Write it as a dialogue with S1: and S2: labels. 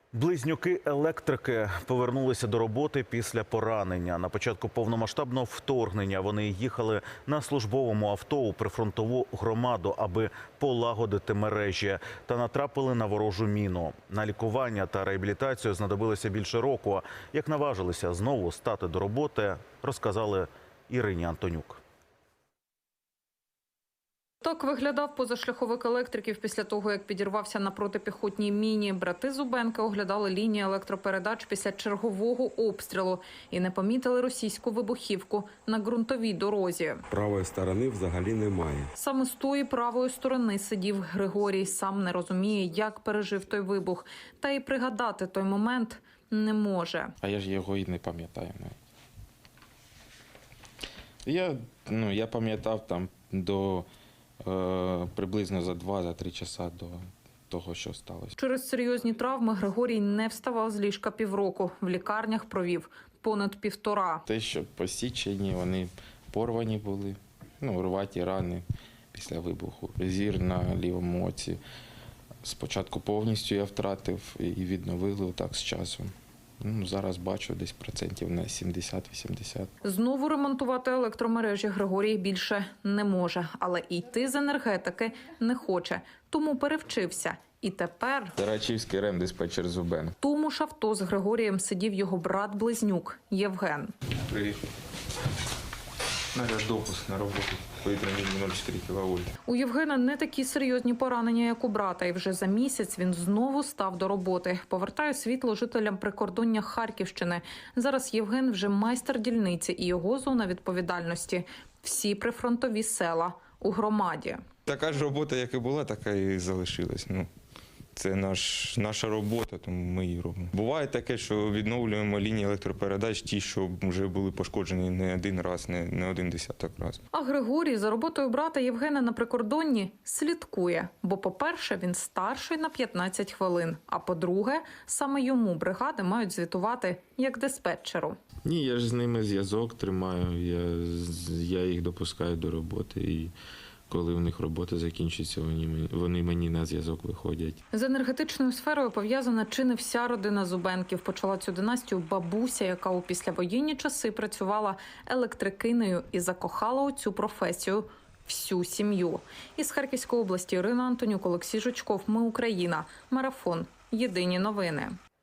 S1: Близнюки-електрики повернулися до роботи після поранення. На початку повномасштабного вторгнення вони їхали на службовому авто у прифронтову громаду, аби полагодити мережі, та натрапили на ворожу міну. На лікування та реабілітацію знадобилося більше року. Як наважилися знову стати до роботи, розказали Ірині Антонюк.
S2: Так виглядав позашляховик електриків після того, як підірвався на протипіхотній міні. Брати Зубенки оглядали лінії електропередач після чергового обстрілу і не помітили російську вибухівку на ґрунтовій дорозі.
S3: Правої сторони взагалі немає.
S2: Саме з тої правої сторони сидів Григорій. Сам не розуміє, як пережив той вибух. Та й пригадати той момент не може.
S4: А я ж його і не пам'ятаю. Я пам'ятав там до приблизно за 2-3 часа до того, що сталося.
S2: Через серйозні травми Григорій не вставав з ліжка півроку. В лікарнях провів понад 1,5.
S4: Те, що посічені, вони порвані були, рваті рани після вибуху. Зір на лівому оці спочатку повністю я втратив і відновили так з часом. Зараз бачу десь процентів на 70-80.
S2: Знову ремонтувати електромережі Григорій більше не може, але і йти з енергетики не хоче. Тому перевчився. І тепер
S4: Тарачівський ремдиспетчер Зубен.
S2: В тому ж авто з Григорієм сидів його брат-близнюк Євген.
S4: Привіт. Допуск на роботу. Повітряний 0,4 кВт.
S2: У Євгена не такі серйозні поранення, як у брата. І вже за місяць він знову став до роботи. Повертає світло жителям прикордоння Харківщини. Зараз Євген вже майстер дільниці і його зона відповідальності – всі прифронтові села у громаді.
S5: Така ж робота, як і була, така і залишилась. Це наша робота, тому ми її робимо. Буває таке, що відновлюємо лінії електропередач, ті, що вже були пошкоджені не один раз, не один десяток разів.
S2: А Григорій за роботою брата Євгена на прикордонні слідкує. Бо, по-перше, він старший на 15 хвилин. А по-друге, саме йому бригади мають звітувати як диспетчеру.
S4: Ні, я ж з ними зв'язок тримаю, я їх допускаю до роботи. І коли в них робота закінчиться, вони мені на зв'язок виходять.
S2: З енергетичною сферою пов'язана чи не вся родина Зубенків. Почала цю династію бабуся, яка у післявоєнні часи працювала електрикинею і закохала у цю професію всю сім'ю. Із Харківської області Ірина Антонюк, Олексій Жучков. Ми Україна. Марафон. Єдині новини.